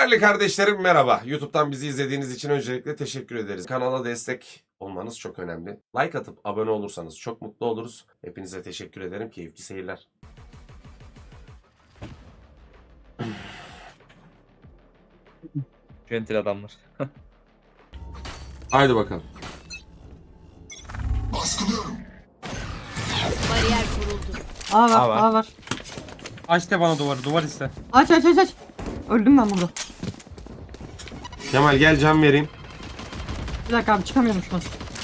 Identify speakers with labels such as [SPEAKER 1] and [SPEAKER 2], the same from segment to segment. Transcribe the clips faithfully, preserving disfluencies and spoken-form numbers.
[SPEAKER 1] Değerli kardeşlerim merhaba. YouTube'dan bizi izlediğiniz için öncelikle teşekkür ederiz. Kanala destek olmanız çok önemli. Like atıp abone olursanız çok mutlu oluruz. Hepinize teşekkür ederim. Keyifli seyirler.
[SPEAKER 2] Gentil adamlar.
[SPEAKER 1] Haydi bakalım.
[SPEAKER 3] Baskılıyorum.
[SPEAKER 4] Bariyer kuruldu.
[SPEAKER 5] A var,
[SPEAKER 2] A var.
[SPEAKER 5] A var.
[SPEAKER 6] Aç de bana duvarı, duvar iste.
[SPEAKER 5] Aç aç aç aç. Öldüm ben burada.
[SPEAKER 1] Kemal gel can vereyim.
[SPEAKER 5] Bir dakika abi çıkamıyorum şu an.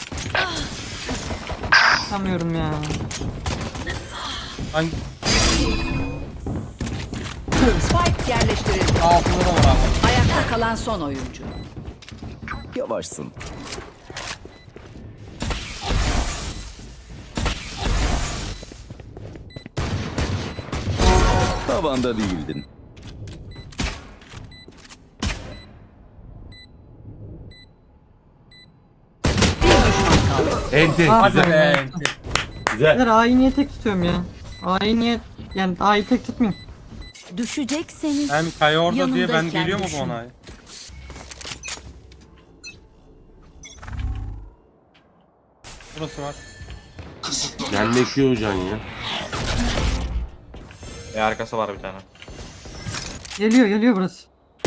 [SPEAKER 5] Çıkamıyorum ya.
[SPEAKER 6] Hangi?
[SPEAKER 4] Spike yerleştirildi.
[SPEAKER 6] Altında da var abi.
[SPEAKER 4] Ayakta kalan son oyuncu.
[SPEAKER 7] Yavaşsın. Tavanda değildin.
[SPEAKER 1] Enti.
[SPEAKER 5] Aa,
[SPEAKER 6] Hadi
[SPEAKER 1] Güzel.
[SPEAKER 6] be.
[SPEAKER 1] Güzel.
[SPEAKER 5] Beyler A'yı niye tek tutuyorum ya? A'yı niye... Yani A'yı tek tutmayayım.
[SPEAKER 4] Düşecekseniz
[SPEAKER 6] Hem Kaya orada diye ben
[SPEAKER 4] yanındayken
[SPEAKER 6] geliyor mu
[SPEAKER 4] düşün.
[SPEAKER 6] bu ona? Burası var.
[SPEAKER 3] Kısıtlanıyor.
[SPEAKER 1] Gelmek yok can ya.
[SPEAKER 2] E arkası var bir tane.
[SPEAKER 5] Geliyor geliyor burası.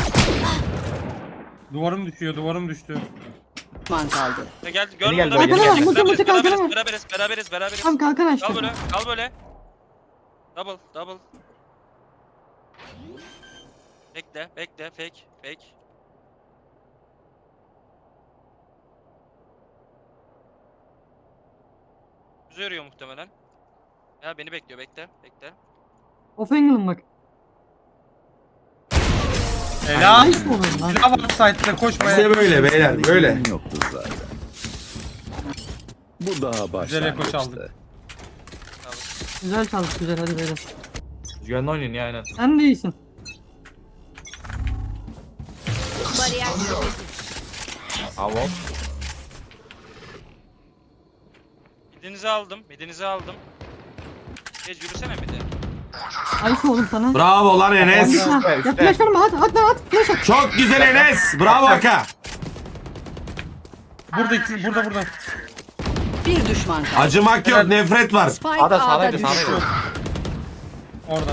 [SPEAKER 6] Duvarım düşüyor, duvarım düştü.
[SPEAKER 4] Man kaldı.
[SPEAKER 8] Gel,
[SPEAKER 2] Yeni
[SPEAKER 8] görme
[SPEAKER 2] geldi,
[SPEAKER 8] lan.
[SPEAKER 2] yeni
[SPEAKER 5] geldi.
[SPEAKER 8] Beraberiz,
[SPEAKER 5] Mutlu mutlu
[SPEAKER 8] beraberiz,
[SPEAKER 5] kalkalım.
[SPEAKER 8] beraberiz, beraberiz, beraberiz.
[SPEAKER 5] Tam kalkan açtı.
[SPEAKER 8] Kal böyle, kal böyle. Double, double. Bekle, bekle, fake, fake. Bizi örüyor muhtemelen. Ya beni bekliyor, bekle, bekle.
[SPEAKER 5] Off angle'ım bak.
[SPEAKER 6] Helal.
[SPEAKER 5] Nice mi olur lan?
[SPEAKER 6] Silah var site'de koşmaya.
[SPEAKER 1] İşte böyle beyler böyle.
[SPEAKER 7] Yoktu zaten. Bu daha
[SPEAKER 6] Güzel eko çaldık.
[SPEAKER 7] başlangıçtı.
[SPEAKER 5] Güzel çaldık güzel hadi beyler.
[SPEAKER 2] Güvenli oynayın ya aynen.
[SPEAKER 5] Sen de iyisin.
[SPEAKER 4] Bariyer kuruldu.
[SPEAKER 2] Avon.
[SPEAKER 8] Midinizi aldım, midinizi aldım. Geç yürüsene midi.
[SPEAKER 5] Ayıp oğlum sana.
[SPEAKER 1] Bravo lan Enes.
[SPEAKER 5] Ha,
[SPEAKER 2] üstte.
[SPEAKER 5] ya flash verme at at lan at flash at.
[SPEAKER 1] Çok güzel Enes. Bravo Aka.
[SPEAKER 6] Burada iki, burada burada.
[SPEAKER 4] Bir düşman kaldı.
[SPEAKER 1] Acımak yok, nefret var.
[SPEAKER 4] Spike
[SPEAKER 2] A'da
[SPEAKER 4] A'da
[SPEAKER 2] sağdaydı
[SPEAKER 4] düştü.
[SPEAKER 2] sağdaydı.
[SPEAKER 6] Orada.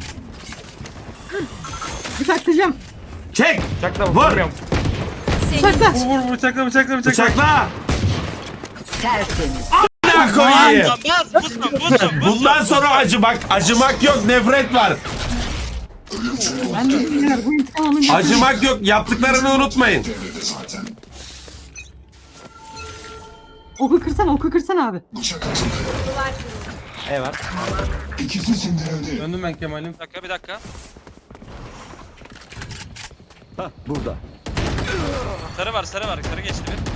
[SPEAKER 5] Bıçaklayacağım.
[SPEAKER 1] Çek.
[SPEAKER 2] Bıçakla
[SPEAKER 1] Vur.
[SPEAKER 2] vurmuyorum.
[SPEAKER 5] Bıçakla.
[SPEAKER 6] Vur vur bıçakla bıçakla bıçakla.
[SPEAKER 1] Bıçakla.
[SPEAKER 4] Tertemiz.
[SPEAKER 1] Ne koyayım?
[SPEAKER 8] Lan bas, busum, busum, busum.
[SPEAKER 1] Bundan sonra acımak, acımak yok, nefret var.
[SPEAKER 5] Ben de beyler bu intikam alınca.
[SPEAKER 1] Acımak yok, yaptıklarını unutmayın.
[SPEAKER 3] Devrede zaten.
[SPEAKER 5] Oku kırsana oku kırsana abi.
[SPEAKER 3] Bıçak atıldı.
[SPEAKER 2] E var.
[SPEAKER 3] İkisi sindirildi.
[SPEAKER 6] Döndüm ben Kemal'im.
[SPEAKER 8] Bir dakika, bir dakika.
[SPEAKER 7] Hah burada.
[SPEAKER 8] Sarı var, sarı var, sarı geçti bir.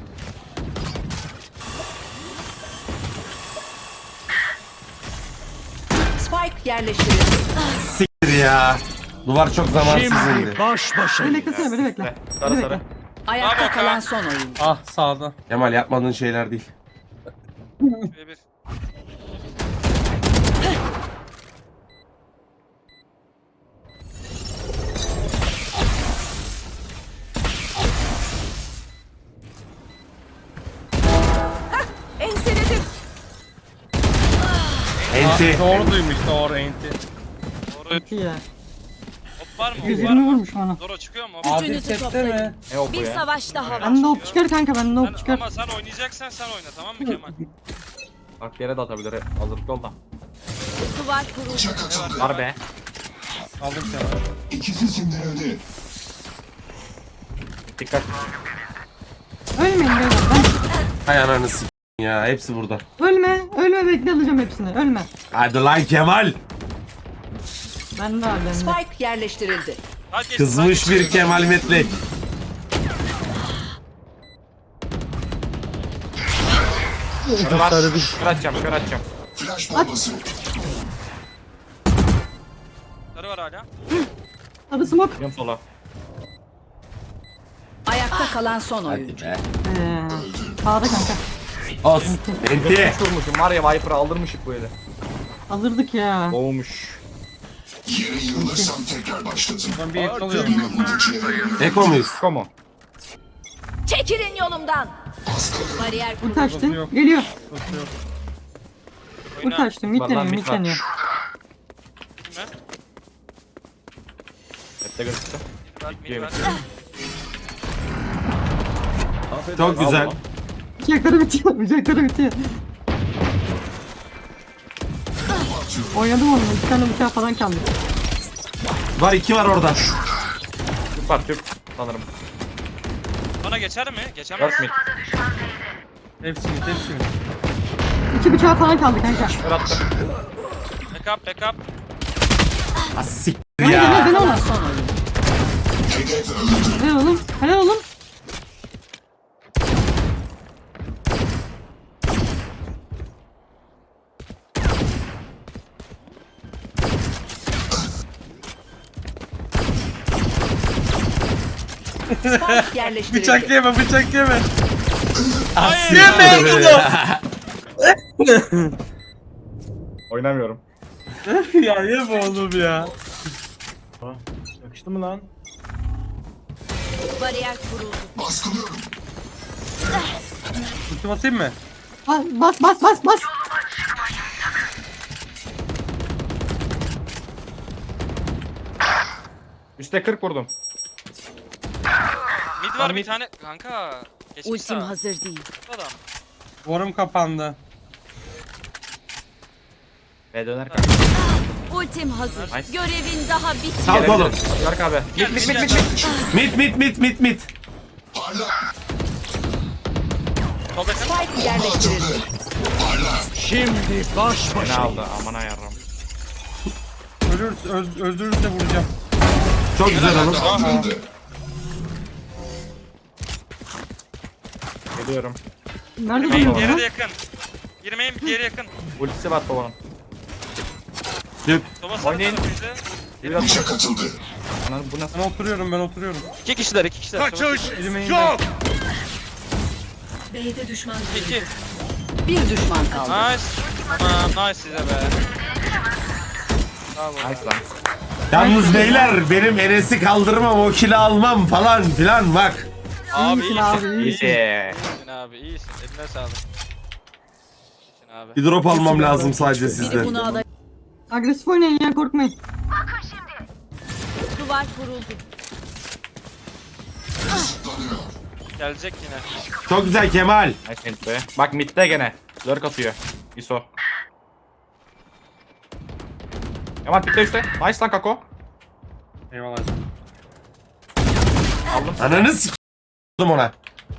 [SPEAKER 4] Spike yerleştirildi.
[SPEAKER 1] Siktir ya. Duvar çok zamansız indi.
[SPEAKER 5] Beni beklesene beni bekle.
[SPEAKER 2] Sarı
[SPEAKER 5] Beni
[SPEAKER 2] sarı.
[SPEAKER 5] bekle.
[SPEAKER 4] Ayakta
[SPEAKER 8] Bravo,
[SPEAKER 4] kalan
[SPEAKER 8] Kaan.
[SPEAKER 4] son oyuncu.
[SPEAKER 6] Ah sağda.
[SPEAKER 1] Kemal yapmadığın şeyler değil.
[SPEAKER 8] Bir, bir.
[SPEAKER 4] Enseledim.
[SPEAKER 1] Enti.
[SPEAKER 6] Doğru duymuş doğru enti.
[SPEAKER 8] Doğru.
[SPEAKER 5] İki ya.
[SPEAKER 8] Hop var mı? Hop var
[SPEAKER 5] yüz yirmi
[SPEAKER 8] mı?
[SPEAKER 5] vurmuş bana.
[SPEAKER 8] Doro çıkıyor mu?
[SPEAKER 6] Adil sette mi?
[SPEAKER 2] Ne o bu
[SPEAKER 4] Bir
[SPEAKER 2] ya?
[SPEAKER 4] savaş daha var.
[SPEAKER 5] Bende ok çıkar kanka bende ok
[SPEAKER 8] Sen,
[SPEAKER 5] çıkar.
[SPEAKER 8] ama sen oynayacaksan sen oyna, tamam mı Kemal?
[SPEAKER 2] Bak yere de atabilir. Hazırlıklı ol da.
[SPEAKER 4] Duvar kuruldu.
[SPEAKER 3] Bıçak atıldı.
[SPEAKER 2] Var be.
[SPEAKER 6] Aldım Kemal.
[SPEAKER 3] İkisi sindirildi.
[SPEAKER 2] Dikkat.
[SPEAKER 5] Ölmeyin beyler.
[SPEAKER 1] Hay ananı s*** ya. Hepsi burada.
[SPEAKER 5] Ben, ölme. Ölme bekle alacağım hepsini. Ölme.
[SPEAKER 1] Hadi lan Kemal.
[SPEAKER 5] Ben de abi bende.
[SPEAKER 4] Spike yerleştirildi.
[SPEAKER 8] Hadi geç,
[SPEAKER 1] Kızmış
[SPEAKER 8] hadi geç.
[SPEAKER 1] bir Kemal Metlek.
[SPEAKER 2] Sarı var. Kör atacağım kör atacağım.
[SPEAKER 3] Flash bombası.
[SPEAKER 8] Sarı var hala.
[SPEAKER 5] Abi smoke.
[SPEAKER 2] Gidiyorum sola.
[SPEAKER 4] Ayakta kalan son oyuncu.
[SPEAKER 1] Hadi be.
[SPEAKER 5] Eee. Sağda kanka.
[SPEAKER 1] Olsun. Enti.
[SPEAKER 2] Vurmuşum var ya Viper'ı aldırmışık böyle.
[SPEAKER 5] Alırdık ya.
[SPEAKER 2] Boğmuş.
[SPEAKER 3] Yere yığılırsam tekrar başlatın.
[SPEAKER 6] Ben bir et alıyorum.
[SPEAKER 3] Yine vurucu yere
[SPEAKER 1] Eko muyuz?
[SPEAKER 6] Komo.
[SPEAKER 4] Çekilin yolumdan. Bariyer
[SPEAKER 5] Ulti
[SPEAKER 4] kuruldu.
[SPEAKER 5] açtım.
[SPEAKER 6] yok.
[SPEAKER 5] Geliyor.
[SPEAKER 6] Nasıl yok?
[SPEAKER 5] Ulti açtım. Mid
[SPEAKER 2] Vallahi
[SPEAKER 5] deniyor.
[SPEAKER 2] mid
[SPEAKER 5] Mid
[SPEAKER 2] var.
[SPEAKER 5] deniyor.
[SPEAKER 8] Kime?
[SPEAKER 2] Hepte gözüktü.
[SPEAKER 8] Bak mid var.
[SPEAKER 1] Çok güzel.
[SPEAKER 5] Bıçakları bitiyor. Bıçakları bitiyor. Oynadım onunla. İki tane bıçağı falan kaldı.
[SPEAKER 1] Var iki var orada.
[SPEAKER 2] Tüp var tüp sanırım.
[SPEAKER 8] Bana geçer mi? Geçemez.
[SPEAKER 2] Dört mid.
[SPEAKER 6] Hepsini hepsini.
[SPEAKER 5] İki bıçağı falan kaldı kanka.
[SPEAKER 2] Kör attım.
[SPEAKER 8] Backup backup.
[SPEAKER 1] Ha siktir
[SPEAKER 5] Hadi
[SPEAKER 1] ya.
[SPEAKER 5] dene dene ona.
[SPEAKER 4] Son oyun.
[SPEAKER 3] hedef öldü.
[SPEAKER 5] Helal oğlum. Helal oğlum.
[SPEAKER 4] Spike yerleştirildi.
[SPEAKER 6] Bıçak yeme bıçak yeme.
[SPEAKER 2] Oynamıyorum.
[SPEAKER 6] Ya yeme oğlum ya.
[SPEAKER 2] Yakıştı mı lan?
[SPEAKER 4] Bariyer kuruldu.
[SPEAKER 3] Baskılıyorum.
[SPEAKER 6] Ulti basayım mı?
[SPEAKER 5] Bas bas bas bas bas.
[SPEAKER 2] Üste kırk vurdum.
[SPEAKER 8] Mid var bir tane. Kanka. Geçmiş
[SPEAKER 4] Ultim
[SPEAKER 8] sağa.
[SPEAKER 4] hazır değil.
[SPEAKER 8] Adam.
[SPEAKER 6] Duvarım kapandı.
[SPEAKER 2] B döner kanka.
[SPEAKER 4] Ultim hazır.
[SPEAKER 2] Nice.
[SPEAKER 4] Görevin daha bitmedi.
[SPEAKER 1] Sağ oğlum.
[SPEAKER 2] Yark abi.
[SPEAKER 8] Gel,
[SPEAKER 2] Mid mid
[SPEAKER 8] gel,
[SPEAKER 2] mid
[SPEAKER 8] gel.
[SPEAKER 2] mid.
[SPEAKER 1] Mit mit mit mit mit.
[SPEAKER 3] Parla.
[SPEAKER 8] Sol yakın.
[SPEAKER 4] Spike yerleştirildi.
[SPEAKER 3] Parla.
[SPEAKER 2] Beni aldı aman ayarım.
[SPEAKER 6] Ölürüz, öl, öldürürse vuracağım.
[SPEAKER 1] Çok güzel oğlum.
[SPEAKER 3] Kaldırıldı.
[SPEAKER 2] Geliyorum.
[SPEAKER 5] Nerede
[SPEAKER 8] Girmeyin
[SPEAKER 5] duruyor
[SPEAKER 8] diğeri
[SPEAKER 5] lan?
[SPEAKER 8] de yakın. Girmeyin diğeri yakın.
[SPEAKER 2] Ultisi var Sova'nın.
[SPEAKER 1] Tüp.
[SPEAKER 8] Soba sarı
[SPEAKER 2] Oynayın.
[SPEAKER 8] tarafıydı.
[SPEAKER 2] Biraz
[SPEAKER 3] Bıçak atıldı.
[SPEAKER 2] Ananı bu nasıl?
[SPEAKER 6] Ben oturuyorum ben oturuyorum.
[SPEAKER 8] İki kişiler iki kişiler. Kaçış.
[SPEAKER 6] Elime yok.
[SPEAKER 4] B'de düşman.
[SPEAKER 8] İki.
[SPEAKER 4] Bir düşman kaldı.
[SPEAKER 8] Nice. Tamam nice size be. Bravo.
[SPEAKER 2] Nice lan.
[SPEAKER 1] Yalnız beyler benim Enes'i kaldırmam o kili almam falan filan bak.
[SPEAKER 8] Abi
[SPEAKER 5] İyisin
[SPEAKER 8] iyisin.
[SPEAKER 5] abi, iyisin.
[SPEAKER 2] İyisi.
[SPEAKER 8] İyisin abi iyisin. Eline sağlık. İyisin abi.
[SPEAKER 1] Bir drop almam lazım sadece
[SPEAKER 4] Biri
[SPEAKER 1] sizde.
[SPEAKER 4] bunu alır.
[SPEAKER 5] Agresif oynayın ya korkmayın.
[SPEAKER 4] Duvar kuruldu.
[SPEAKER 3] Kısıtlanıyor.
[SPEAKER 8] Gelecek yine.
[SPEAKER 1] Çok güzel Kemal.
[SPEAKER 2] Nice mid be. Bak midde gene. Lurk atıyor. İso. Yaman midde üstte. Nice lan Kako.
[SPEAKER 6] Eyvallah.
[SPEAKER 2] Aldım.
[SPEAKER 1] Ananı s***dım ona.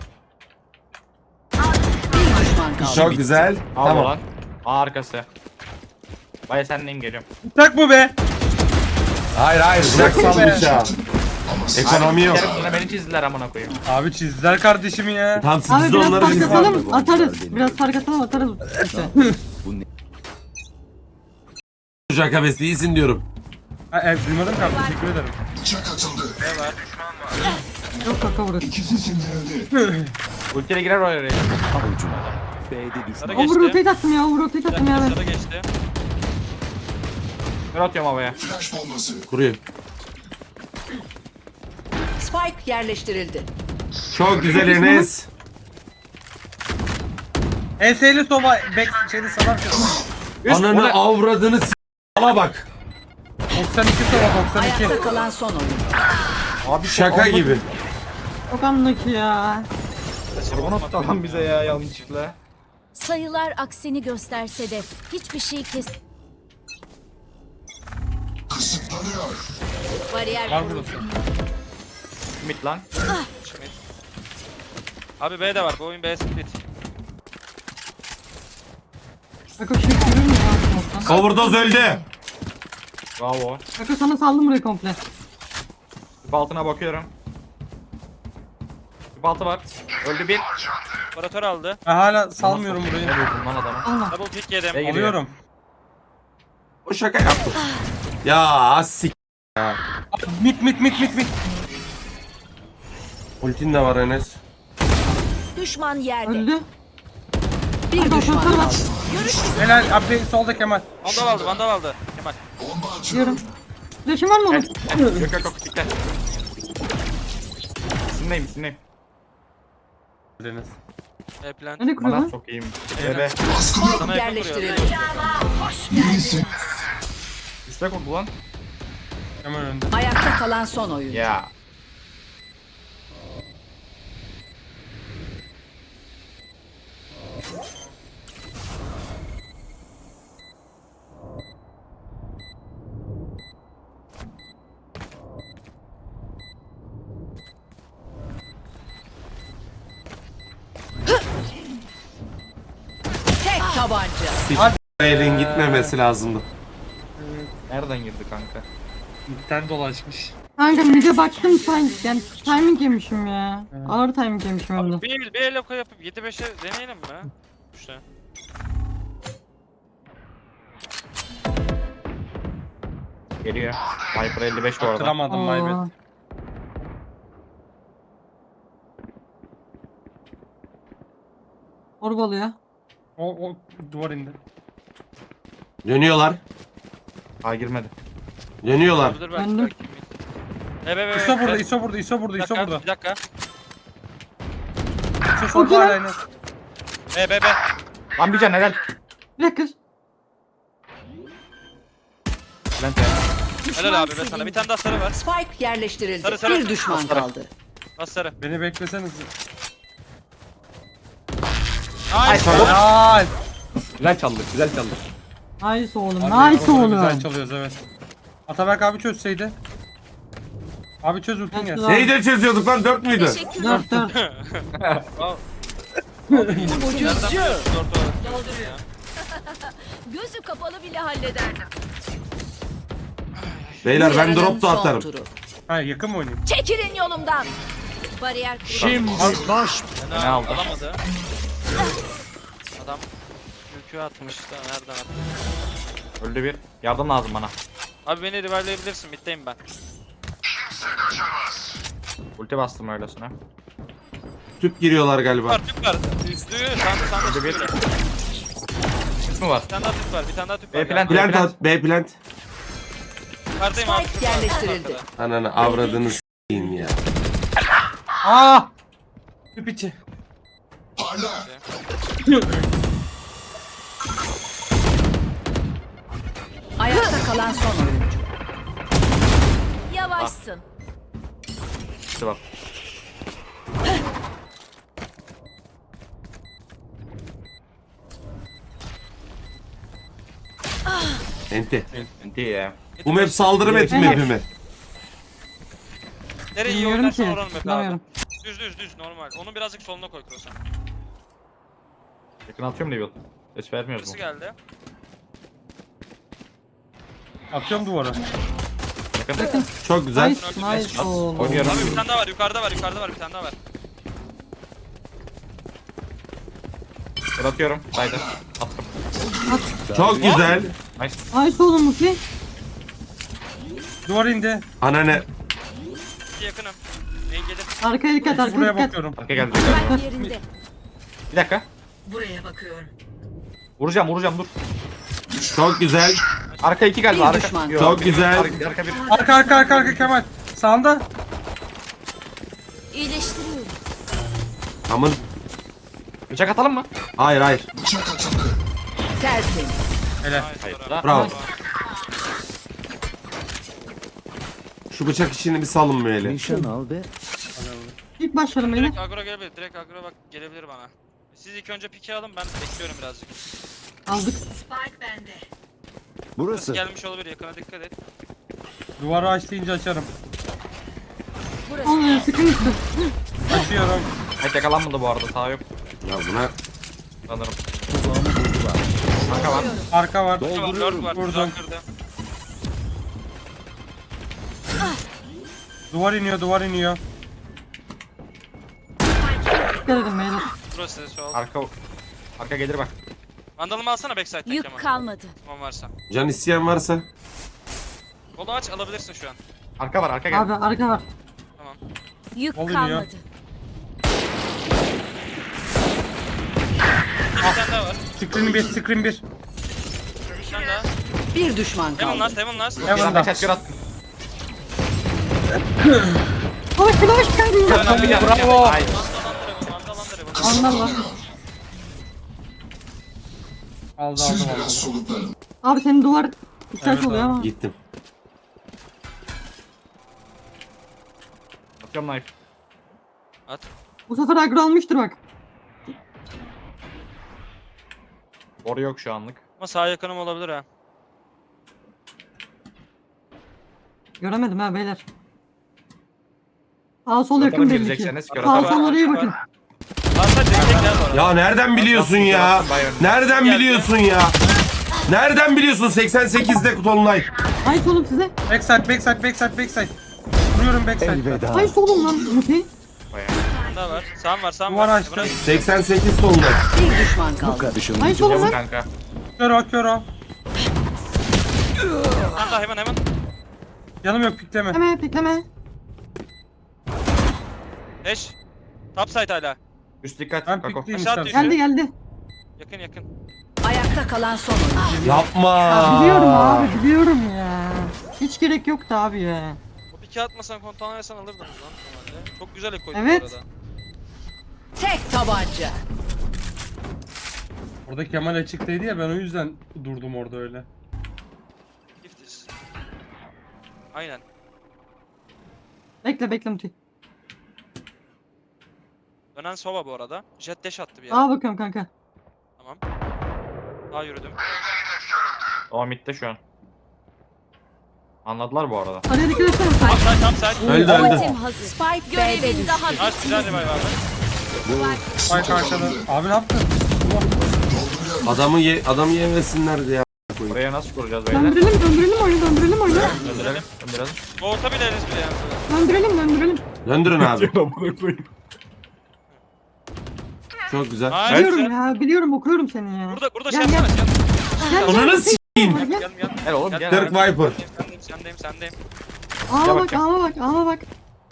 [SPEAKER 4] Bir düşman kaldı.
[SPEAKER 1] Çok güzel.
[SPEAKER 2] Al
[SPEAKER 1] Tamam.
[SPEAKER 2] lan. A arkası. Baya senleyim geliyorum.
[SPEAKER 6] Bıçak bu be.
[SPEAKER 1] Hayır hayır bırak sal bıçağı. Ekonomi yok.
[SPEAKER 2] Yarısına beni çizdiler amına koyayım.
[SPEAKER 6] Abi çizdiler kardeşimi ya.
[SPEAKER 1] Tam siz
[SPEAKER 5] Abi
[SPEAKER 1] de
[SPEAKER 5] biraz
[SPEAKER 1] onları
[SPEAKER 5] fark
[SPEAKER 1] çizin.
[SPEAKER 5] atalım atarız. Biraz fark atalım atarız. İşte.
[SPEAKER 1] Çocuk abes değilsin diyorum.
[SPEAKER 6] Ha, evet, duymadım ki abi teşekkür ederim.
[SPEAKER 3] Bıçak atıldı.
[SPEAKER 5] Yok kaka burası.
[SPEAKER 3] İkisi sindirildi.
[SPEAKER 2] Ultiyle girer oraya.
[SPEAKER 7] Avucuna. B'de düşman.
[SPEAKER 8] Sarı
[SPEAKER 5] Over
[SPEAKER 8] geçti.
[SPEAKER 5] rotate attım ya over rotate attım ya ben.
[SPEAKER 8] Sarı geçti.
[SPEAKER 2] Kör atıyorum havaya.
[SPEAKER 3] Flash bombası.
[SPEAKER 1] Kuruyor.
[SPEAKER 4] Spike yerleştirildi.
[SPEAKER 1] Çok güzel Enes.
[SPEAKER 6] Enseyle soba back şeyde salar.
[SPEAKER 1] Ananı avradını s***la bak.
[SPEAKER 6] doksan iki soba doksan iki.
[SPEAKER 4] Ayakta kalan son oyun.
[SPEAKER 2] Abi
[SPEAKER 1] Şaka gibi.
[SPEAKER 5] Çok anlaki ya.
[SPEAKER 2] Onu attı lan bize ya yanlışlıkla.
[SPEAKER 9] Sayılar aksini gösterse de hiçbir şey kes...
[SPEAKER 3] Kısıtlanıyor.
[SPEAKER 4] Bariyer
[SPEAKER 6] Var
[SPEAKER 4] kuruldu.
[SPEAKER 6] burası.
[SPEAKER 2] Mid lan.
[SPEAKER 8] Abi B de var. Bu oyun B split.
[SPEAKER 5] Kaka şey görür mü ya?
[SPEAKER 1] Overdose öldü.
[SPEAKER 2] Bravo.
[SPEAKER 5] Kaka sana saldım burayı komple.
[SPEAKER 2] Tüp altına bakıyorum. Tüp altı var. Öldü bir.
[SPEAKER 8] Operatör aldı.
[SPEAKER 6] Ben hala salmıyorum burayı.
[SPEAKER 2] Ne vurdun lan adamı?
[SPEAKER 5] Allah.
[SPEAKER 8] Double pick yedim.
[SPEAKER 2] B'ye giriyor.
[SPEAKER 6] Alıyorum.
[SPEAKER 1] O şaka yaptım. Ya sik.
[SPEAKER 6] Mit mit mit mit mit.
[SPEAKER 1] Ultin de var Enes.
[SPEAKER 4] Düşman yerde.
[SPEAKER 5] Öldü.
[SPEAKER 4] Bir
[SPEAKER 5] Kaka
[SPEAKER 4] düşman
[SPEAKER 5] operatör var.
[SPEAKER 4] kaldı.
[SPEAKER 6] Helal abi solda Kemal.
[SPEAKER 8] Vandal aldı. Vandal aldı. Kemal.
[SPEAKER 3] Bomba atıyorum.
[SPEAKER 5] Diyorum. Flash'ın var mı oğlum?
[SPEAKER 2] Yok yok yok dikkat. İsimdeyim isimdeyim.
[SPEAKER 6] Deniz.
[SPEAKER 8] E plan.
[SPEAKER 5] Nereye kuruyor
[SPEAKER 2] Bana
[SPEAKER 5] lan?
[SPEAKER 2] çok iyiyim. Bebe.
[SPEAKER 3] Baskılıyorum.
[SPEAKER 8] Sana yakın
[SPEAKER 4] Yerleştirildi.
[SPEAKER 8] vuruyor.
[SPEAKER 3] İyisin.
[SPEAKER 2] Üste kurdu lan.
[SPEAKER 6] Hemen önde.
[SPEAKER 4] Ayakta kalan son oyuncu.
[SPEAKER 2] Ya.
[SPEAKER 4] Tek tabanca.
[SPEAKER 1] Elin gitmemesi lazımdı.
[SPEAKER 2] Nereden girdi kanka?
[SPEAKER 6] İpten dolaşmış.
[SPEAKER 5] Kanka mid'e baktım time, yani timing yemişim ya. Ağır timing yemişim hem de.
[SPEAKER 8] Abi bir, bir el oku yapıp yedi beşe deneyelim mi? İşte.
[SPEAKER 2] Geliyor. Viper elli beş bu arada.
[SPEAKER 6] Kıramadım
[SPEAKER 5] Aa.
[SPEAKER 6] Maybet.
[SPEAKER 5] Orbalıyor.
[SPEAKER 6] O, o duvar indi.
[SPEAKER 1] Dönüyorlar.
[SPEAKER 2] Aa girmedi.
[SPEAKER 1] Dönüyorlar.
[SPEAKER 8] Olabilir belki.
[SPEAKER 5] Döndüm.
[SPEAKER 8] belki. E be be be.
[SPEAKER 6] İso burada,
[SPEAKER 8] be.
[SPEAKER 6] İso burada, İso burada,
[SPEAKER 8] Bir
[SPEAKER 6] İso
[SPEAKER 8] dakika,
[SPEAKER 6] burada.
[SPEAKER 8] bir dakika.
[SPEAKER 6] İso solda hala yine.
[SPEAKER 8] E be be.
[SPEAKER 2] Lan bir can helal.
[SPEAKER 5] Bir dakika.
[SPEAKER 2] Bülent ya.
[SPEAKER 8] Helal abi be sana. Bir tane daha sarı var.
[SPEAKER 4] Spike yerleştirildi.
[SPEAKER 8] Sarı, sarı.
[SPEAKER 4] Bir düşman kaldı.
[SPEAKER 8] Bas sarı.
[SPEAKER 6] Beni bekleseniz.
[SPEAKER 8] Nice.
[SPEAKER 6] Helal.
[SPEAKER 2] Güzel çaldık güzel çaldık.
[SPEAKER 5] Nice oğlum,
[SPEAKER 6] Abi,
[SPEAKER 5] nice
[SPEAKER 6] onları Güzel
[SPEAKER 5] oğlum.
[SPEAKER 6] çalıyoruz evet. Ataberk abi çözseydi. Abi çöz ultin
[SPEAKER 5] Çözdü
[SPEAKER 6] gel.
[SPEAKER 5] lan.
[SPEAKER 1] Neyi de çözüyorduk lan? Dört müydü?
[SPEAKER 5] Dört dört.
[SPEAKER 4] Ucuzcu.
[SPEAKER 8] Dört var.
[SPEAKER 9] Gözü kapalı bile hallederdim.
[SPEAKER 1] Beyler ben
[SPEAKER 4] Yarının
[SPEAKER 1] drop da
[SPEAKER 4] son
[SPEAKER 1] atarım.
[SPEAKER 4] turu.
[SPEAKER 6] Ha yakın mı oynayayım?
[SPEAKER 9] Çekilin yolumdan. Bariyer kurulu.
[SPEAKER 7] Şimdi baş
[SPEAKER 8] Ne
[SPEAKER 2] Ne aldı?
[SPEAKER 8] Alamadı. Adam yükü atmış da nereden attı?
[SPEAKER 2] Öldü bir. Yardım lazım bana.
[SPEAKER 8] Abi beni revive'layabilirsin. Middeyim ben.
[SPEAKER 2] Ulti bastım öylesine.
[SPEAKER 1] Tüp giriyorlar galiba.
[SPEAKER 8] Var tüp var. Üstü sandı sandı
[SPEAKER 2] Öldü bir.
[SPEAKER 8] tüp var.
[SPEAKER 2] Çık mı var?
[SPEAKER 8] Bir tane daha tüp var. Bir tane daha tüp var.
[SPEAKER 2] E, plan-
[SPEAKER 1] Plant at. B plant.
[SPEAKER 8] Yukarıdayım abi.
[SPEAKER 4] Spike
[SPEAKER 8] tüp var.
[SPEAKER 4] yerleştirildi.
[SPEAKER 8] Arkada.
[SPEAKER 1] Ananı avradını s**eyim ya.
[SPEAKER 6] Aa! Tüp içi.
[SPEAKER 3] Parla.
[SPEAKER 4] Ayakta kalan son oyuncu.
[SPEAKER 9] Yavaşsın.
[SPEAKER 2] İşte bak.
[SPEAKER 1] Enti.
[SPEAKER 2] Ulti ya.
[SPEAKER 1] Bu map saldırı map'i mi map'i mi?
[SPEAKER 8] Nereye iyi
[SPEAKER 5] Bilmiyorum
[SPEAKER 8] oynarsan
[SPEAKER 5] ki.
[SPEAKER 8] oranın map abi.
[SPEAKER 5] Bilmiyorum.
[SPEAKER 8] Düz düz düz normal. Onu birazcık soluna koy Krosan.
[SPEAKER 2] Yakın atıyorum Devil. Ses vermiyoruz
[SPEAKER 8] Birisi
[SPEAKER 2] mu?
[SPEAKER 8] geldi.
[SPEAKER 6] Atıyorum duvara.
[SPEAKER 2] Yakın.
[SPEAKER 1] Çok güzel.
[SPEAKER 5] Nice, nice oğlum.
[SPEAKER 2] Oynuyorum.
[SPEAKER 8] Abi bir tane daha var. Yukarıda var. Yukarıda var. Bir tane daha var.
[SPEAKER 2] Dur atıyorum. Haydi. Attım.
[SPEAKER 1] Çok güzel.
[SPEAKER 2] Nice.
[SPEAKER 5] Nice oğlum Muki.
[SPEAKER 6] Duvar indi.
[SPEAKER 1] Ananı.
[SPEAKER 8] İki yakınım. İyi gelir.
[SPEAKER 5] Arkaya dikkat, arkaya
[SPEAKER 6] Buraya
[SPEAKER 5] dikkat.
[SPEAKER 6] bakıyorum.
[SPEAKER 2] Arka geldi.
[SPEAKER 9] Spike yerinde.
[SPEAKER 2] Bir dakika.
[SPEAKER 4] Buraya bakıyorum.
[SPEAKER 2] Vuracağım vuracağım dur.
[SPEAKER 1] Çok güzel.
[SPEAKER 2] Arka iki galiba.
[SPEAKER 4] Bir
[SPEAKER 2] Arka.
[SPEAKER 4] düşman.
[SPEAKER 2] Yok,
[SPEAKER 1] Çok
[SPEAKER 2] bir-
[SPEAKER 1] güzel.
[SPEAKER 2] Arka, arka bir.
[SPEAKER 6] Arka arka arka arka Kemal. Sağında.
[SPEAKER 9] İyileştiriyorum.
[SPEAKER 1] Amın.
[SPEAKER 2] Bıçak atalım mı?
[SPEAKER 1] Hayır hayır.
[SPEAKER 3] Bıçak atıldı.
[SPEAKER 4] Tertemiz.
[SPEAKER 6] Helal.
[SPEAKER 2] Hayır.
[SPEAKER 8] Bravo.
[SPEAKER 1] Bravo. Şu bıçak işini bir salın böyle.
[SPEAKER 7] nişan al ve
[SPEAKER 5] İlk başlarım beni.
[SPEAKER 8] Direkt agro gelebilir. Direkt agro bak gelebilir bana. Siz ilk önce piki alın ben bekliyorum birazcık.
[SPEAKER 5] Aldık.
[SPEAKER 4] Spike bende.
[SPEAKER 7] burası.
[SPEAKER 8] Gelmiş olabilir yakına dikkat et.
[SPEAKER 6] Duvarı aç deyince açarım.
[SPEAKER 5] Olmuyor, sıkıntı.
[SPEAKER 6] Açıyorum.
[SPEAKER 2] Evet yakalanmadı bu arada. Sağ yok.
[SPEAKER 1] Ya buna
[SPEAKER 2] Sanırım.
[SPEAKER 7] Tuzağımı buldular.
[SPEAKER 2] Arka var.
[SPEAKER 6] Arka var.
[SPEAKER 8] Dört var.
[SPEAKER 6] Vurdum.
[SPEAKER 8] Vurdum. Kırdı.
[SPEAKER 6] Duvar iniyor, duvar iniyor.
[SPEAKER 5] Dikkat edin beyler.
[SPEAKER 8] Burası sol.
[SPEAKER 2] Arka. Arka gelir bak.
[SPEAKER 8] Vandalımı alsana backside'den
[SPEAKER 9] Yük
[SPEAKER 8] Kemal.
[SPEAKER 9] kalmadı.
[SPEAKER 8] Tamam varsa.
[SPEAKER 1] can isteyen varsa.
[SPEAKER 8] Kolu aç alabilirsin şu an.
[SPEAKER 2] Arka var arka geldi.
[SPEAKER 5] Abi arka var.
[SPEAKER 8] Tamam.
[SPEAKER 9] Yük
[SPEAKER 6] Oluyor.
[SPEAKER 9] kalmadı.
[SPEAKER 8] Bir tane daha var.
[SPEAKER 6] Screen bir, screen bir.
[SPEAKER 8] Bir tane daha.
[SPEAKER 4] Bir düşman
[SPEAKER 8] Heaven
[SPEAKER 4] kaldı.
[SPEAKER 8] last, heaven last.
[SPEAKER 6] Heaven.
[SPEAKER 2] Lan
[SPEAKER 6] da.
[SPEAKER 2] beş at gör at.
[SPEAKER 5] Flash flash kaydıyım.
[SPEAKER 2] Hemen bir gel.
[SPEAKER 6] Bravo.
[SPEAKER 2] Ay.
[SPEAKER 5] Anlar var.
[SPEAKER 6] Aldı
[SPEAKER 3] Siz
[SPEAKER 6] aldı
[SPEAKER 3] biraz
[SPEAKER 6] aldı.
[SPEAKER 3] soluklanın.
[SPEAKER 5] Abi senin duvar ihtiyaç
[SPEAKER 6] Evet
[SPEAKER 5] oluyor
[SPEAKER 6] abi.
[SPEAKER 5] ama.
[SPEAKER 1] Gittim.
[SPEAKER 2] Bakıyorum knife.
[SPEAKER 8] At.
[SPEAKER 5] Bu sefer agro almıştır bak.
[SPEAKER 2] Boru yok şu anlık.
[SPEAKER 8] Ama sağ yakınım olabilir ha.
[SPEAKER 5] Göremedim ha beyler. Sağ sol
[SPEAKER 2] Zaten
[SPEAKER 5] yakın belli ki.
[SPEAKER 2] girecekseniz göre
[SPEAKER 5] Sağ
[SPEAKER 2] tabii.
[SPEAKER 5] sol oraya bakın.
[SPEAKER 8] Varsa direkt gel bu arada.
[SPEAKER 1] Ya nereden biliyorsun ya? Nereden
[SPEAKER 8] Geldi.
[SPEAKER 1] biliyorsun ya? Nereden biliyorsun seksen sekizde Tolunay?
[SPEAKER 5] Ay solum size.
[SPEAKER 6] Backside backside backside backside. Vuruyorum backside.
[SPEAKER 7] Elveda.
[SPEAKER 5] Ay solum lan. Muti.
[SPEAKER 8] Bunda var. Sağım var sağım
[SPEAKER 6] Duvar
[SPEAKER 8] var.
[SPEAKER 6] açtı.
[SPEAKER 1] seksen sekiz Tolunay.
[SPEAKER 4] Bir düşman
[SPEAKER 7] Bu
[SPEAKER 4] kaldı.
[SPEAKER 7] kardeşim.
[SPEAKER 5] Ay solum
[SPEAKER 2] Yok
[SPEAKER 5] lan.
[SPEAKER 2] kanka.
[SPEAKER 6] Kör o kör o.
[SPEAKER 8] Hemen hemen hemen.
[SPEAKER 6] Yanım yok pikleme.
[SPEAKER 5] Bekleme bekleme.
[SPEAKER 8] Eş. Top side hala.
[SPEAKER 2] Üst dikkat.
[SPEAKER 6] Ben
[SPEAKER 2] Kako.
[SPEAKER 6] pikleyeyim
[SPEAKER 8] Aşağı
[SPEAKER 6] istersen.
[SPEAKER 5] Geldi geldi.
[SPEAKER 8] Yakın yakın.
[SPEAKER 4] Ayakta kalan son oyuncu.
[SPEAKER 1] Yapma.
[SPEAKER 5] Ya biliyorum abi biliyorum ya. Hiç gerek yoktu abi ya.
[SPEAKER 8] O piki atmasan kontağını versen alırdınız lan normalde. Çok güzel ek koydun
[SPEAKER 5] Evet.
[SPEAKER 8] bu arada.
[SPEAKER 4] Tek tabanca.
[SPEAKER 6] Orada Kemal açıktaydı ya ben o yüzden durdum orada öyle.
[SPEAKER 8] Giftiz. Aynen.
[SPEAKER 5] Bekle bekle Muti.
[SPEAKER 8] Dönen sova bu arada. Jet dash attı bir yere.
[SPEAKER 5] Aa bakıyorum kanka.
[SPEAKER 8] Tamam. Daha yürüdüm.
[SPEAKER 2] O midde şu an. Anladılar bu arada.
[SPEAKER 5] Araya dikkat etsene.
[SPEAKER 8] Top side top side.
[SPEAKER 1] Öldü öldü.
[SPEAKER 9] Ultim hazır. Spike görevin daha
[SPEAKER 8] Nice güzel revive abi.
[SPEAKER 6] Ay karşıda. Abi ne yaptın?
[SPEAKER 1] Adamı ye adamı yemesinler diye.
[SPEAKER 2] Buraya nasıl kuracağız beyler?
[SPEAKER 5] Döndürelim döndürelim oyunu döndürelim oyunu.
[SPEAKER 2] Döndürelim. Döndürelim.
[SPEAKER 8] Boğuta bileriz bile yani.
[SPEAKER 5] Döndürelim döndürelim.
[SPEAKER 1] Döndürün abi. Çok güzel.
[SPEAKER 8] Nice.
[SPEAKER 5] Biliyorum ya biliyorum okuyorum seni ya.
[SPEAKER 8] Burada burada
[SPEAKER 5] Gel,
[SPEAKER 8] şey yapsana.
[SPEAKER 5] gel.
[SPEAKER 8] Gel.
[SPEAKER 5] Gel,
[SPEAKER 1] Ananı
[SPEAKER 5] gel,
[SPEAKER 1] s**eyim.
[SPEAKER 5] gel, gel.
[SPEAKER 8] Gel gel.
[SPEAKER 2] Gel oğlum gel.
[SPEAKER 1] Dirk Viper.
[SPEAKER 8] Sendeyim sendeyim sendeyim.
[SPEAKER 5] Ağla
[SPEAKER 2] Gel
[SPEAKER 5] bak
[SPEAKER 2] bakayım.
[SPEAKER 5] ağla bak ağla bak.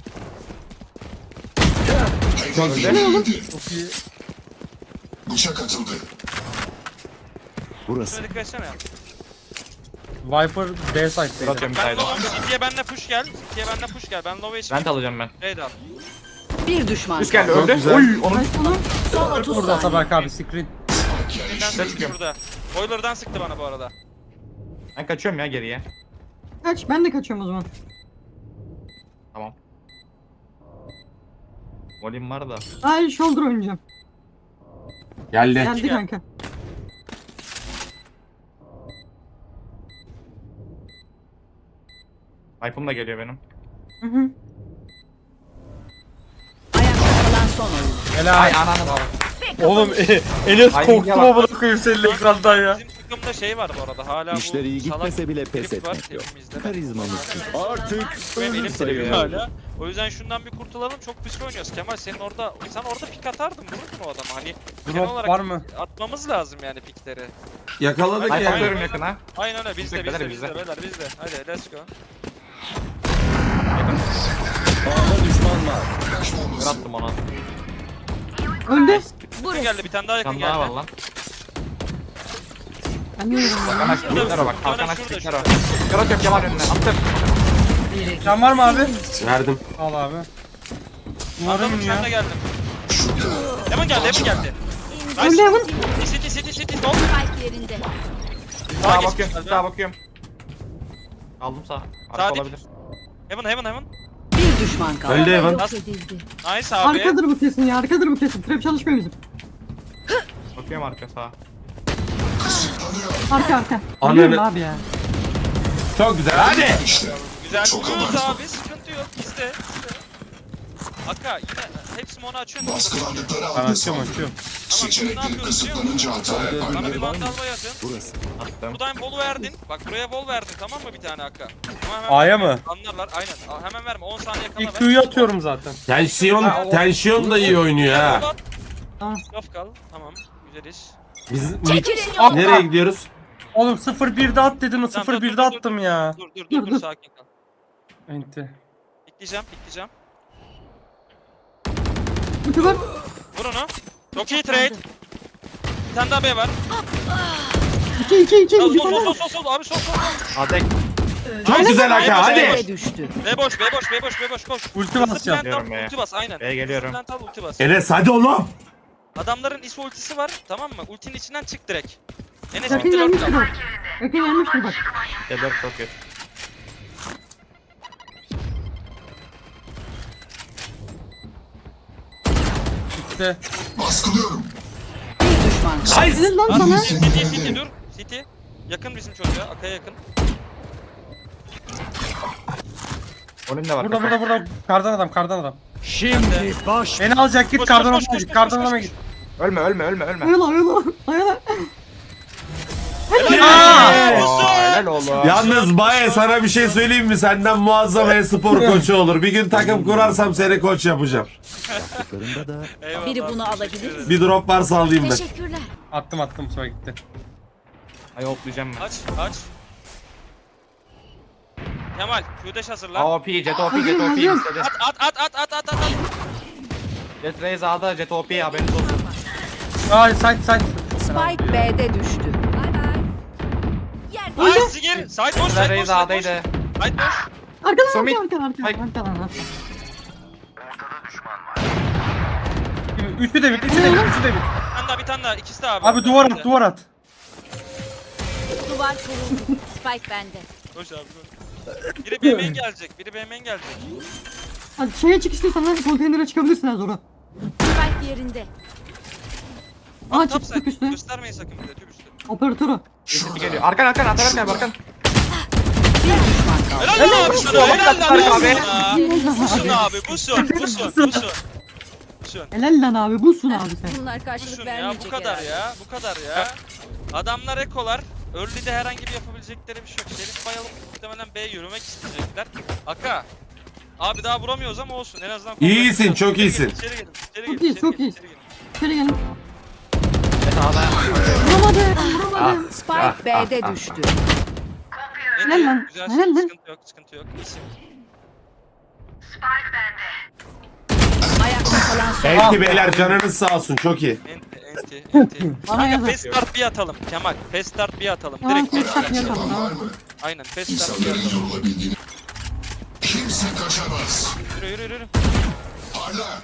[SPEAKER 1] Çok güzel.
[SPEAKER 5] Ne oğlum?
[SPEAKER 6] Çok iyi.
[SPEAKER 3] Bıçak atıldı.
[SPEAKER 7] Burası.
[SPEAKER 8] Şuna dikkat etsene.
[SPEAKER 6] Viper B side'daydı.
[SPEAKER 2] Atıyorum
[SPEAKER 8] Ben
[SPEAKER 2] sayda.
[SPEAKER 8] low. City'ye benle push gel. City'ye benle push gel. Ben low H P.
[SPEAKER 2] Vent alacağım ben.
[SPEAKER 8] Raid al.
[SPEAKER 4] Bir düşman
[SPEAKER 2] Üst geldi
[SPEAKER 4] kaldı.
[SPEAKER 2] öldü.
[SPEAKER 1] güzel.
[SPEAKER 2] Oy onu.
[SPEAKER 5] Ay solum.
[SPEAKER 4] Son otuz
[SPEAKER 6] Burada
[SPEAKER 4] saniye.
[SPEAKER 6] Atabek abi screen.
[SPEAKER 8] Birinden sıktı burada. Boiler'dan sıktı bana bu arada.
[SPEAKER 2] Ben kaçıyorum ya geriye.
[SPEAKER 5] Kaç ben de kaçıyorum o zaman.
[SPEAKER 2] Tamam. Volim var da.
[SPEAKER 5] Ay shoulder oynayacağım.
[SPEAKER 1] Geldi.
[SPEAKER 5] Geldi kanka.
[SPEAKER 2] Hype'ım da geliyor benim.
[SPEAKER 5] Hı hı.
[SPEAKER 4] Ayakta kalan son oyuncu.
[SPEAKER 6] Helal.
[SPEAKER 2] Ay ananı.
[SPEAKER 6] Oğlum Enes
[SPEAKER 2] Ay,
[SPEAKER 6] korktum
[SPEAKER 2] yalan.
[SPEAKER 6] ama koyayım senin ekrandan ya.
[SPEAKER 8] Bizim takımda şey var bu arada. Hala
[SPEAKER 7] İşleri
[SPEAKER 8] bu
[SPEAKER 7] iyi
[SPEAKER 8] salak
[SPEAKER 7] gitmese bile pes
[SPEAKER 8] herif var
[SPEAKER 7] etmek yok.
[SPEAKER 8] evimizde.
[SPEAKER 7] Karizmamız artık
[SPEAKER 8] Benim
[SPEAKER 7] ölüm
[SPEAKER 8] elim
[SPEAKER 7] sayılır.
[SPEAKER 8] titriyor hala. O yüzden şundan bir kurtulalım. Çok pis oynuyoruz. Kemal senin orada sen orada pik atardın. Vururdun o adamı. Hani genel
[SPEAKER 6] Drop
[SPEAKER 8] olarak
[SPEAKER 6] var mı?
[SPEAKER 8] atmamız lazım yani pikleri.
[SPEAKER 1] Yakaladık
[SPEAKER 8] Ay,
[SPEAKER 1] ya.
[SPEAKER 2] Hype atıyorum yakına.
[SPEAKER 8] Aynen öyle. Bizde
[SPEAKER 2] Beyler,
[SPEAKER 8] bizde
[SPEAKER 2] bizde.
[SPEAKER 8] bizde beyler bizde. Hadi let's go.
[SPEAKER 7] A'da düşman var.
[SPEAKER 3] Flash
[SPEAKER 2] Kır
[SPEAKER 3] bombası.
[SPEAKER 2] attım ona.
[SPEAKER 5] Öldü.
[SPEAKER 8] Yakın geldi bir tane daha
[SPEAKER 2] Bir
[SPEAKER 8] yakın
[SPEAKER 2] tane daha var
[SPEAKER 8] geldi.
[SPEAKER 2] lan.
[SPEAKER 5] Ben yiyorum ya.
[SPEAKER 2] Hakan aç piklere bak. Hakan aç piklere bak. Kır atıyorum Kemal önüne. Attım.
[SPEAKER 6] Can var mı abi?
[SPEAKER 1] Verdim.
[SPEAKER 6] Al abi. Umarım
[SPEAKER 8] Adamın
[SPEAKER 6] ya.
[SPEAKER 8] yanına geldim. Hemen geldi hemen geldi.
[SPEAKER 5] Öldü Evan.
[SPEAKER 8] City city city sol.
[SPEAKER 9] Spike yerinde.
[SPEAKER 2] Sağa
[SPEAKER 8] geç
[SPEAKER 2] bakıyorum.
[SPEAKER 8] geldi.
[SPEAKER 2] Sağa bakıyorum. Aldım sağ.
[SPEAKER 8] Sağ
[SPEAKER 2] Arka
[SPEAKER 8] dik.
[SPEAKER 2] olabilir.
[SPEAKER 8] Heaven heaven heaven.
[SPEAKER 4] Bir düşman kaldı.
[SPEAKER 1] Öldü Evan.
[SPEAKER 9] Yok edildi.
[SPEAKER 8] Nice abi.
[SPEAKER 5] Arkadır bu kesin ya arkadır bu kesin. Trap çalışmıyor bizim.
[SPEAKER 2] Bakıyorum arka sağa.
[SPEAKER 5] Arka arka.
[SPEAKER 1] Ananı-
[SPEAKER 5] Biliyorum abi ya.
[SPEAKER 1] Çok güzel. Hadi.
[SPEAKER 3] İşte.
[SPEAKER 8] Güzel
[SPEAKER 3] Çok
[SPEAKER 8] vuruyoruz
[SPEAKER 3] abartma.
[SPEAKER 8] abi. Sıkıntı yok. İste. iste. Aka yine hepsi onu açıyorsun.
[SPEAKER 3] Baskılandıkları
[SPEAKER 6] Ben
[SPEAKER 3] anda
[SPEAKER 6] açıyorum
[SPEAKER 3] savunun.
[SPEAKER 6] açıyorum.
[SPEAKER 3] Seçenekleri kısıtlanınca hata
[SPEAKER 8] Bana
[SPEAKER 3] yapar.
[SPEAKER 8] bir mandal bayatın.
[SPEAKER 7] Burası.
[SPEAKER 2] Attım.
[SPEAKER 8] Buradan bol verdin. Bak buraya bol verdin tamam mı bir tane Aka? Ama hemen
[SPEAKER 6] A'ya mı?
[SPEAKER 8] anlarlar aynen. Aa, hemen verme on saniye kala
[SPEAKER 6] İlk
[SPEAKER 8] ver.
[SPEAKER 6] Q'yu atıyorum zaten.
[SPEAKER 1] Tensiyon, tensiyon da iyi oynuyor ha.
[SPEAKER 5] Tamam.
[SPEAKER 8] Laf kal. Tamam. Güzeliz.
[SPEAKER 1] Biz
[SPEAKER 9] Çekilin yoldan.
[SPEAKER 1] nereye gidiyoruz?
[SPEAKER 6] Oğlum sıfır birde at dedin o
[SPEAKER 8] Tamam,
[SPEAKER 6] sıfır
[SPEAKER 8] dur,
[SPEAKER 6] birde
[SPEAKER 8] dur, dur.
[SPEAKER 6] attım ya.
[SPEAKER 8] Dur dur
[SPEAKER 5] Dur,
[SPEAKER 8] dur dur
[SPEAKER 5] dur.
[SPEAKER 8] sakin kal.
[SPEAKER 6] Enti.
[SPEAKER 8] Pikleyeceğim pikleyeceğim.
[SPEAKER 5] Muti var.
[SPEAKER 8] Vur onu. Çok iyi trade. Bir tane daha B var.
[SPEAKER 5] İki iki iki.
[SPEAKER 8] Sol
[SPEAKER 5] Bir
[SPEAKER 8] sol
[SPEAKER 5] tane
[SPEAKER 8] sol
[SPEAKER 5] var.
[SPEAKER 8] sol sol abi sol sol. sol.
[SPEAKER 2] Adek.
[SPEAKER 1] Çok güzel Aka hadi.
[SPEAKER 4] B'de düştü.
[SPEAKER 8] B boş, B boş, B boş, B boş, koş.
[SPEAKER 6] Ulti
[SPEAKER 8] Hızlı
[SPEAKER 6] basacağım.
[SPEAKER 8] plant al,
[SPEAKER 2] Geliyorum B'ye.
[SPEAKER 8] ulti bas aynen.
[SPEAKER 2] B'ye geliyorum.
[SPEAKER 8] Hızlı plant al, ulti bas.
[SPEAKER 1] Enes hadi oğlum.
[SPEAKER 8] Adamların is ultisi var, tamam mı? Ultinin içinden çık direkt. Enes
[SPEAKER 5] Yakın
[SPEAKER 8] bitti dört
[SPEAKER 5] gelmiştir
[SPEAKER 8] kal.
[SPEAKER 5] bak. Yakın gelmiştir bak.
[SPEAKER 2] C dört çok kötü.
[SPEAKER 6] İşte.
[SPEAKER 3] Baskılıyorum.
[SPEAKER 4] Bir düşman kaldı.
[SPEAKER 1] Nice.
[SPEAKER 5] Helal lan
[SPEAKER 8] At,
[SPEAKER 5] sana.
[SPEAKER 8] City, City dur. City. Yakın bizim çocuğa, Akaya yakın.
[SPEAKER 2] Olim de var.
[SPEAKER 6] Burada burada burada. Kardan adam kardan adam.
[SPEAKER 2] Şimdi baş.
[SPEAKER 6] Beni alacak git
[SPEAKER 8] Koş,
[SPEAKER 6] kardan
[SPEAKER 8] koş,
[SPEAKER 6] adama
[SPEAKER 8] koş,
[SPEAKER 6] git.
[SPEAKER 8] koş,
[SPEAKER 6] Kardan
[SPEAKER 8] koş,
[SPEAKER 6] adama
[SPEAKER 8] koş.
[SPEAKER 6] git.
[SPEAKER 2] Ölme ölme ölme ölme.
[SPEAKER 5] Ayala ayala. Ayala.
[SPEAKER 8] Helal
[SPEAKER 2] Oo,
[SPEAKER 8] olsun.
[SPEAKER 2] helal oğlum.
[SPEAKER 1] Yalnız Baye sana bir şey söyleyeyim mi? Senden muazzam e-spor koçu olur. Bir gün takım kurarsam seni koç yapacağım.
[SPEAKER 8] Eyvallah,
[SPEAKER 9] Biri bunu
[SPEAKER 8] teşekkür
[SPEAKER 9] alabilir.
[SPEAKER 8] ederim.
[SPEAKER 1] Bir drop varsa alayım ben.
[SPEAKER 9] Teşekkürler.
[SPEAKER 6] Attım attım sonra gitti.
[SPEAKER 2] Ay hoplayacağım ben.
[SPEAKER 8] Aç, aç. Kemal, Q'deş hazırla.
[SPEAKER 2] A O P, Jet O P, Jet O P istedi.
[SPEAKER 8] At, at, at, at, at, at, at.
[SPEAKER 2] Jet Raze A'da, Jet O P haberiniz olsun.
[SPEAKER 6] Ay side side.
[SPEAKER 4] Spike B'de düştü.
[SPEAKER 8] Ay Sigir, side boş,
[SPEAKER 2] Jet
[SPEAKER 8] side boş,
[SPEAKER 2] Raze
[SPEAKER 8] side boş.
[SPEAKER 2] A'daydı.
[SPEAKER 8] Side boş.
[SPEAKER 5] Arkadan
[SPEAKER 2] Somit.
[SPEAKER 5] arkadan arkadan
[SPEAKER 2] Hayır.
[SPEAKER 5] arkadan arkadan.
[SPEAKER 6] Üçü de bit. Üçü de bit. Üçü de bit.
[SPEAKER 8] Bir tane daha, bir tane daha. İkisi de abi.
[SPEAKER 6] Abi duvar at duvar at.
[SPEAKER 9] Duvar kuruldu. Spike bende.
[SPEAKER 8] Koş abi, koş. Biri B M'ye gelecek, biri B M'ye gelecek.
[SPEAKER 5] Hadi şeye çık istiyorsan hadi konteynere çıkabilirsin az sonra.
[SPEAKER 9] Spike yerinde.
[SPEAKER 5] Aa
[SPEAKER 8] Top
[SPEAKER 5] çık
[SPEAKER 8] side.
[SPEAKER 5] çık üstüne.
[SPEAKER 8] Göstermeyin sakın bize, tüp üstü.
[SPEAKER 5] Operatörü.
[SPEAKER 2] Üstü geliyor. Arkan arkan atar arkan arkan.
[SPEAKER 4] Bir düşman kaldı.
[SPEAKER 8] Helal lan abi sana, helal lan
[SPEAKER 2] Abi.
[SPEAKER 8] abi. Busun abi, busun, busun, busun. Busun.
[SPEAKER 5] Helal lan abi busun abi sen.
[SPEAKER 9] Bunlar karşılık
[SPEAKER 8] Busun ya,
[SPEAKER 9] vermeyecek
[SPEAKER 8] bu kadar
[SPEAKER 9] herhalde.
[SPEAKER 8] ya, bu kadar ya. Adamlar ekolar. Early'de herhangi bir yapabilecekleri bir şey yok. Şerif bayılıp muhtemelen B yürümek isteyecekler. Aka. Abi daha vuramıyoruz ama olsun. En azından
[SPEAKER 1] İyisin,
[SPEAKER 8] kontrol
[SPEAKER 1] çok
[SPEAKER 8] ediyoruz.
[SPEAKER 1] iyisin.
[SPEAKER 8] İçeri gelin, içeri
[SPEAKER 5] Çok
[SPEAKER 8] gelin,
[SPEAKER 5] iyiyiz,
[SPEAKER 8] içeri
[SPEAKER 5] çok
[SPEAKER 8] gelin,
[SPEAKER 5] iyiyiz.
[SPEAKER 8] içeri gelin.
[SPEAKER 5] İçeri gelin.
[SPEAKER 2] Jet A'da.
[SPEAKER 5] Vuramadım vuramadım.
[SPEAKER 4] Spike B'de düştü.
[SPEAKER 8] Ne
[SPEAKER 5] Helal lan,
[SPEAKER 8] Güzel,
[SPEAKER 5] helal lan.
[SPEAKER 8] sıkıntı yok, sıkıntı yok. İyisin.
[SPEAKER 4] Ayakta kalan son.
[SPEAKER 1] Enti beyler canınız sağ olsun çok iyi.
[SPEAKER 8] Enti, enti, enti.
[SPEAKER 5] Bana
[SPEAKER 8] Kanka
[SPEAKER 5] yazar.
[SPEAKER 8] fast start bir atalım Kemal. Fast start bir atalım.
[SPEAKER 5] Tamam
[SPEAKER 8] Direkt
[SPEAKER 5] tek
[SPEAKER 8] fast
[SPEAKER 5] tak
[SPEAKER 8] start.
[SPEAKER 5] yapalım
[SPEAKER 3] Var
[SPEAKER 5] tamam.
[SPEAKER 3] mı?
[SPEAKER 8] Aynen fast start bir
[SPEAKER 3] İnsanların
[SPEAKER 8] atalım.
[SPEAKER 3] yorulabildiğini. Kimse kaçamaz.
[SPEAKER 8] Yürü yürü yürü.
[SPEAKER 3] Parla.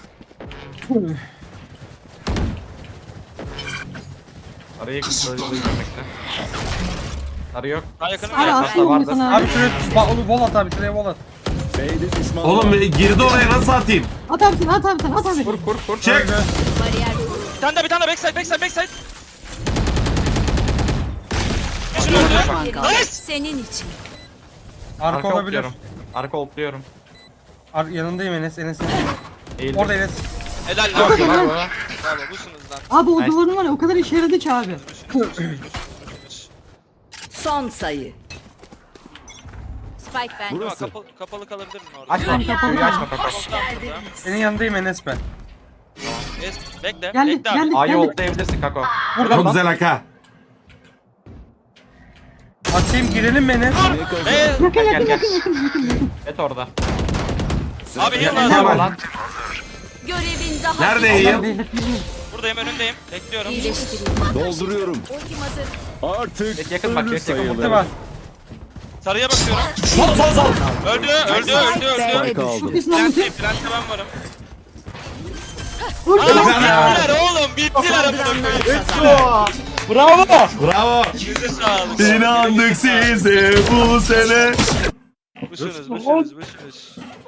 [SPEAKER 2] Arayı
[SPEAKER 3] Kısıtlanıyor.
[SPEAKER 2] görmekte. Sarı yok.
[SPEAKER 8] Daha yakınım
[SPEAKER 5] Hadi
[SPEAKER 8] ya.
[SPEAKER 5] atayım
[SPEAKER 2] vardı.
[SPEAKER 5] onu sana
[SPEAKER 6] Abi
[SPEAKER 5] abi.
[SPEAKER 6] şuraya ba- vol at abi şuraya vol at.
[SPEAKER 7] B'de düşman
[SPEAKER 1] Oğlum
[SPEAKER 7] var.
[SPEAKER 1] girdi oraya nasıl atayım?
[SPEAKER 5] At abi sen at abi sen at abi.
[SPEAKER 2] Kur kur kur.
[SPEAKER 1] Çek.
[SPEAKER 4] Bariyer
[SPEAKER 8] Bir tane daha bir tane daha backside backside backside. Düşün
[SPEAKER 4] bir
[SPEAKER 8] öldü.
[SPEAKER 4] düşman kaldı.
[SPEAKER 8] Nice.
[SPEAKER 9] Senin için.
[SPEAKER 6] Arka
[SPEAKER 2] Arka
[SPEAKER 6] olabilir.
[SPEAKER 2] hopluyorum. Arka hopluyorum.
[SPEAKER 6] Ar yanındayım Enes Enes.
[SPEAKER 2] Eğildim.
[SPEAKER 6] Orada Enes.
[SPEAKER 8] Helal lan.
[SPEAKER 2] Bravo.
[SPEAKER 8] Bravo busunuz lan.
[SPEAKER 5] Abi o
[SPEAKER 2] Nice.
[SPEAKER 5] duvarın var ya o kadar işe yaradı ki abi.
[SPEAKER 4] Son sayı.
[SPEAKER 9] Spike bende.
[SPEAKER 8] Burası. Kapalı, kapalı kalabilir mi orada?
[SPEAKER 2] Açma. Suyu açma kaka.
[SPEAKER 6] Senin yanındayım Enes ben.
[SPEAKER 8] Es, bekle,
[SPEAKER 5] Geldik
[SPEAKER 8] bekle abi.
[SPEAKER 5] geldik
[SPEAKER 2] A'yı
[SPEAKER 5] geldik.
[SPEAKER 2] hoplayabilirsin kako.
[SPEAKER 6] Burada
[SPEAKER 1] Çok
[SPEAKER 6] lan.
[SPEAKER 1] güzel Aka.
[SPEAKER 6] Atayım girelim mi Enes?
[SPEAKER 8] Ve
[SPEAKER 5] Yakın
[SPEAKER 2] Gel,
[SPEAKER 5] yakın
[SPEAKER 2] gel.
[SPEAKER 5] yakın yakın yakın yakın.
[SPEAKER 2] Et orada.
[SPEAKER 8] abi heal
[SPEAKER 2] Tamam
[SPEAKER 8] lazım.
[SPEAKER 2] lan.
[SPEAKER 9] Görevin daha
[SPEAKER 1] Nerede
[SPEAKER 9] bitmedi.
[SPEAKER 1] yiyeyim?
[SPEAKER 5] Beyler, beyler.
[SPEAKER 8] Buradayım, önündeyim. Bekliyorum.
[SPEAKER 9] İyileştireyim.
[SPEAKER 7] Dolduruyorum.
[SPEAKER 9] Ultim hazır.
[SPEAKER 7] Artık
[SPEAKER 2] Et yakın bak,
[SPEAKER 7] ölü
[SPEAKER 2] et yakın
[SPEAKER 6] Ulti
[SPEAKER 7] sayılır.
[SPEAKER 6] var.
[SPEAKER 8] Sarıya bakıyorum.
[SPEAKER 1] Sol sol sol.
[SPEAKER 8] Öldü, öldü, öldü, öldü.
[SPEAKER 7] Spike
[SPEAKER 5] Çok
[SPEAKER 7] aldım.
[SPEAKER 5] iyisin abi.
[SPEAKER 8] Plant'teyim, plant'te ben varım.
[SPEAKER 5] Vur
[SPEAKER 8] Aa,
[SPEAKER 5] şunu.
[SPEAKER 8] bittiler oğlum, bittiler amına koyayım.
[SPEAKER 6] Bravo.
[SPEAKER 1] Bravo.
[SPEAKER 8] Yüzü sağlık.
[SPEAKER 1] İnandık size bu sene.
[SPEAKER 8] Buşunuz, buşunuz, buşunuz.